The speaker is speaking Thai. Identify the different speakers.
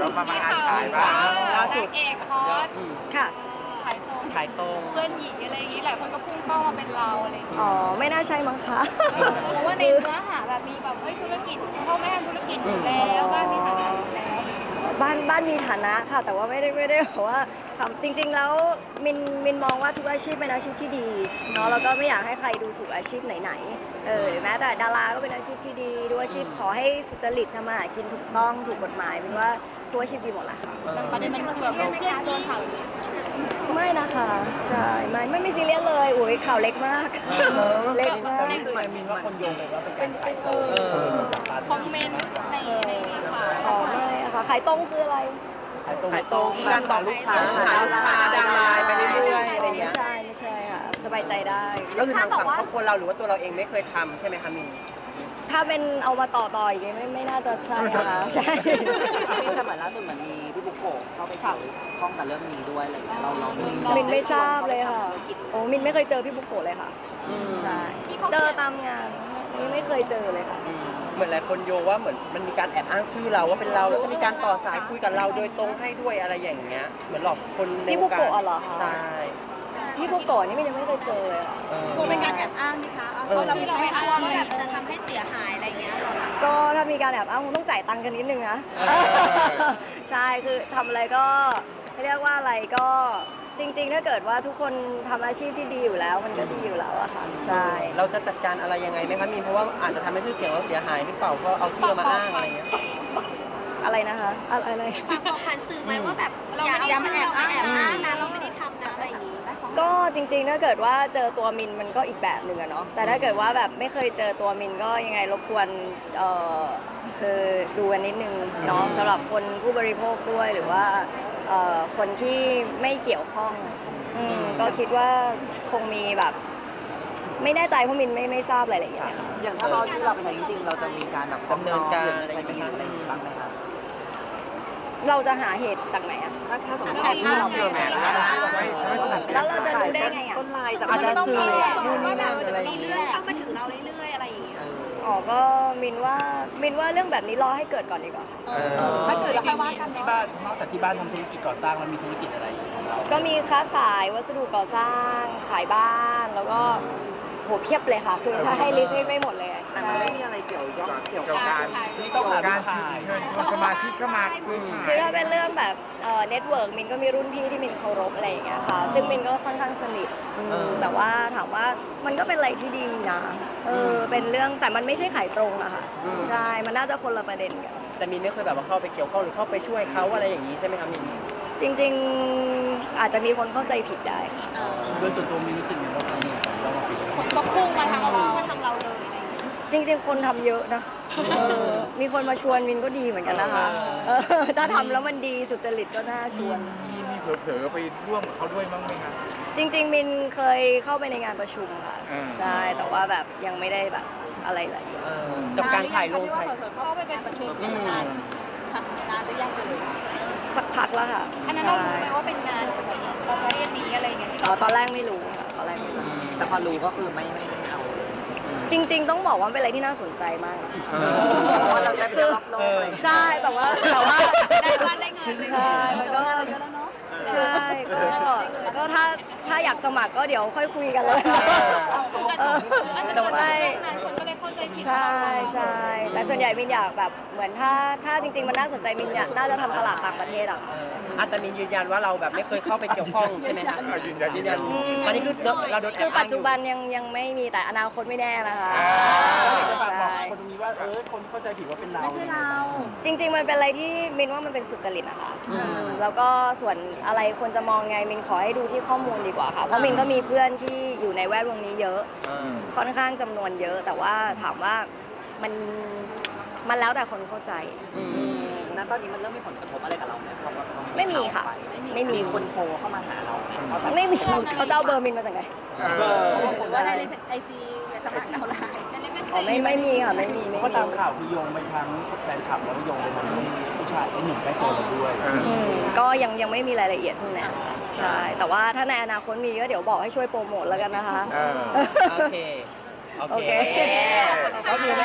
Speaker 1: มางานขายบ้าง
Speaker 2: ล่าสุดเอกคอร์ส
Speaker 3: ค่ะ
Speaker 2: ขายตรงเพื่อนหญิงอะไรอย่างนี้หลายคนก็พุ่งเป้ามาเป็นเราอะไรอย่างเงี้ย
Speaker 3: อ๋อ ไม่น่าใช่มั้งคะ
Speaker 2: เพราะว่าในเนื้อหาแบบมีแบบเฮ้ยธุรกิจพ่อแม่ทำธุรกิจอยู่แล้วบ้านมีฐานะอยู่แล้ว
Speaker 3: บ้านมีฐานะค่ะ แต่ว่าไม่ได้แบบว่าทำจริง ๆ แล้วมินมองว่าทุกอาชีพเป็นอาชีพที่ดีเนาะแล้วก็ไม่อยากให้ใครดูถูกอาชีพไหนๆแม้แต่ดาราก็เป็นอาชีพที่ดีดูอาชีพขอให้สุจริตทำมาหากินถูกต้องถูกกฎหมายมินว่าทุกอาชีพดีหมดแหละค่ะ
Speaker 2: แต่ประเด็นมันคือแบบเพื่อนโดนข่าวนี้
Speaker 3: ไม่นะคะใช่ไม่มีซีเรียสเลยอุ้ยข่าวเล็กมากเล็กมาก
Speaker 1: ทำไมมินว่าคนโยงไปว่าเป็นการขายตรง
Speaker 2: คอมเมนต์ในข่าว
Speaker 3: อ๋อไม่อะค่ะขายตรงคืออะไร
Speaker 1: ขายตรงการบอกลูกค้าหาลูกค้าดังไลน์ไปเรื่อยๆอะไรอย่างเงี้ย
Speaker 3: ไม่ใช่ค่ะสบายใจได้
Speaker 1: ก็คือทางฝั่งครอบครัวเราหรือว่าตัวเราเองไม่เคยทำใช่ไหมคะมิน
Speaker 3: ถ้าเป็นเอามาต่ออีกไม่น่าจะใช่ค่ะใช่
Speaker 4: แต่เหมือนล่าสุดเหมือนมีพี่บุกโกะเข้าไปเกี่ยวข้องกับเรื่องนี้ด้วยอะไรอย่างเงี้ยเรามี
Speaker 3: มินไม่ทราบเลยค่ะโอ้มินไม่เคยเจอพี่บุกโกะเลยค่ะใช่เจอตามงานนี่ไม่เคยเจอเลยค่ะ
Speaker 1: เหมือนหลายคนโยงว่าเหมือนมันมีการแอบอ้างชื่อเราว่าเป็นเราแล้วก็มีการต่อสายคุยกับเราโดยตรงให้ด้วยอะไรอย่างเงี้ยเหมือนหลอกคนใน
Speaker 3: พี่
Speaker 1: ว
Speaker 3: บุ
Speaker 1: งการ
Speaker 3: โกะเหรอคะ
Speaker 1: ใช่
Speaker 3: พี่บุกโกะนี่มินยังไม่เคยเจอเลยค่ะ
Speaker 2: กลัวเป็นการแอบอ้างไหมคะเขาชื่อเราไม่อ้างว่าแบบจะทำให้เสียหายอะไรเงี้ย
Speaker 3: ก็ถ้ามีการแอบอ้างคงต้องจ่ายตังค์กันนิดนึงนะใช่คือทำอะไรก็เรียกว่าอะไรก็จริงๆ ถ้าเกิดว่าทุกคนทำอาชีพที่ดีอยู่แล้วมันก็ดีอยู่แล้วอะค่ะใช่
Speaker 1: เราจะจัดการอะไรยังไงไหมคะมีนเพราะว่าอาจจะทำให้ชื่อเสียงเราเสียหายหรือเปล่าเพราะเอาชื่อเรามาอ้างอะไรเงี้ย
Speaker 3: อะไรนะคะอะไร
Speaker 2: ฝากบอกผ่านสื่อไหมว่าแบบอย่ามาแอบอ้างนะเราไม่ได้ทำนะอะไรอย่างนี้
Speaker 3: ก็จริงๆ ถ้าเกิดว่าเจอตัวมินมันก็อีกแบบหนึ่งอะเนาะแต่ถ้าเกิดว่าแบบไม่เคยเจอตัวมินก็ยังไงรบกวนคือดูกันนิดนึงเนาะสำหรับคนผู้บริโภคด้วยหรือว่าคนที่ไม่เกี่ยวข้องก็คิดว่าคงมีแบบไม่แน่ใจเพราะมินไม่ทราบรายละเอียดค่ะ
Speaker 4: อย่างถ้าเราชื่อเราเป็นอย่างจริงๆเราจะมีการแบบฟ้องร้องหรืออะไรอย่างเงี้ยบ้างไหมคะ
Speaker 3: เราจะหาเหตุจากไหนอะ
Speaker 4: ถ้าสมมติว่าชื่อเราเป็นแบบนั้น
Speaker 3: แล้วเราจะรู้ได้ไงอะ
Speaker 4: ต้นลายจาก
Speaker 1: อาจจะ
Speaker 4: ต้อง
Speaker 1: สื่อ
Speaker 2: นู่นนี่นั่นอะไรอย่างเงี้ยเข้ามาถึงเราเรื่อยๆอะไรอย่างเงี้ย
Speaker 3: อ๋อก็มินว่าเรื่องแบบนี้รอให้เกิดก่อนดีกว่า
Speaker 2: ถ้าเกิดเราค่อยว่ากัน
Speaker 5: ที่บ้านนอกจากที่บ้านทำธุรกิจก่อสร้างแล้วมีธุรกิจอะไรของเรา
Speaker 3: ก็มีค้าขายวัสดุก่อสร้างขายบ้านแล้วก็โหเพียบเลยค่ะ คือถ้าให้ลิสต์ไม่หมดเลย
Speaker 4: แต่มันไม่มีอะไรเกี่ยวกับ
Speaker 1: การ
Speaker 5: ที่ต้องหา
Speaker 1: การ
Speaker 5: ขาย
Speaker 1: เชิญชวนสมาชิกเข้ามา
Speaker 3: คือถ้าเป็นเรื่องแบบเน็ตเวิร์กมินก็มีรุ่นพี่ที่มินเคารพอะไรอย่างเงี้ยค่ะซึ่งมินก็ค่อนข้างสนิทแต่ว่าถามว่ามันก็เป็นอะไรที่ดีนะเป็นเรื่องแต่มันไม่ใช่ขายตรงอะค่ะใช่มันน่าจะคนละประเด็นกัน
Speaker 1: แต่มินไม่เคยแบบว่าเข้าไปเกี่ยวข้องหรือเข้าไปช่วยเขาอะไรอย่างนี้ใช่ไหมคะมิน
Speaker 3: จริงๆอาจจะมีคนเข้าใจผิดได้ค่ะ
Speaker 5: โดยส่วนตัวมีรู้สึกอย่างไรบ้างในสองรอบปี
Speaker 2: ก็พุ่งมาทางเราเลยอะไรอย่างเงี้ย
Speaker 3: จริงๆ คนทำเยอะนะมีคนมาชวนมินก็ดีเหมือนกันนะคะถ้าทำแล้วมันดีสุจริตก็น่าชวน
Speaker 6: มีเผลอๆไปร่วมกับเขาด้วยบ้างไหมครับ
Speaker 3: จริงๆ มินเคยเข้าไปในงานประชุมค่ะ ใช่ แต่ว่าแบบยังไม่ได้แบบอะไรละเอียด
Speaker 1: กับการถ่ายลงถ่าย
Speaker 2: เข้าไปเป็นประชุมราชการนานหรือยังเลย
Speaker 3: สักพักแล้วค่ะ
Speaker 2: อันนั้นเรารู้ไหมว่าเป็นงานประเภทนี้อะไรอย่างเงี้ย
Speaker 3: อ๋อตอนแรกไม่รู้ค่ะตอนแรกไม่รู้
Speaker 4: แต่พอรู้ก็คือไม่เอา
Speaker 3: จริง ๆ ต้องบอกว่าเป็นอะไรที่น่าสนใจมากนะ
Speaker 4: เพราะว่าเราได้ไปรอบโลกอะไร
Speaker 3: ใช่แต่ว่า
Speaker 2: ได้บ้านได้เงินเลย
Speaker 3: ใช่มันก็
Speaker 2: เยอะแล้วเนาะ
Speaker 3: ใช่ก็ถ้าอยากสมัครก็เดี๋ยวค่อยคุยกันเลยแต่ว่า
Speaker 2: คนก็เลยเข้าใจผิด
Speaker 3: ใช่ใช่แต่ส่วนใหญ่มินอยากแบบเหมือนถ้าจริงๆมันน่าสนใจมินเนี่ยน่าจะทำตลาดต่างประเทศอะค่ะ
Speaker 1: แต่มินยืนยันว่าเราแบบไม่เคยเข้าไปเกี่ยวข้องใช่ไหมคะ
Speaker 6: ยืนยัน
Speaker 1: ยืนยันตอนนี้คือเราโดนแอบ
Speaker 3: คือ
Speaker 1: อ้าง
Speaker 3: ปัจจุบันยังไม่มีแต่อนาคตไม่แน่นะคะ
Speaker 5: ฝากบอก
Speaker 3: ใช่
Speaker 5: คนตรงนี้ว่าคนเข้าใจผิดว่าเป็นเรา
Speaker 2: ไม่ใช่เรา
Speaker 3: จริง ๆ มันเป็นอะไรที่มินว่ามันเป็นสุจริตนะคะแล้วก็ส่วนอะไรคนจะมองไงมินขอให้ดูที่ข้อมูลดีกว่าค่ะเพราะมินก็มีเพื่อนที่อยู่ในแวดวงนี้เยอะ ค่อนข้างจำนวนเยอะ แต่ว่าถามว่ามันแล้วแต่คนเข้าใจ
Speaker 4: ณตอนนี้มันเริ่มมีผลกระทบอะไรกับเราไหมเพราะว่า
Speaker 3: ไม่มีค่ะไม่มี
Speaker 4: คนโทรเข้ามาหาเราไหม
Speaker 3: ไม่มีเขาจะเอาเบอร์มินมาจากไหน
Speaker 2: ผมว่าได้ในไอจีสมัครดาวไลน์
Speaker 3: อ๋อไม่มีค่ะไม่มี
Speaker 5: เพราะตามข่าวคือโยงไปทั้งแฟนคลับแล้วก็โยงไปทั้งผู้ชายไอ้หนุ่มใกล้ตัวเราด้วย
Speaker 3: ก็ยังไม่มีรายละเอียดพวกนั้นค่ะใช่แต่ว่าถ้าในอนาคตมีก็เดี๋ยวบอกให้ช่วยโปรโมทแล้วกันนะคะ
Speaker 1: โอเค
Speaker 3: โอเค
Speaker 1: ก็คือ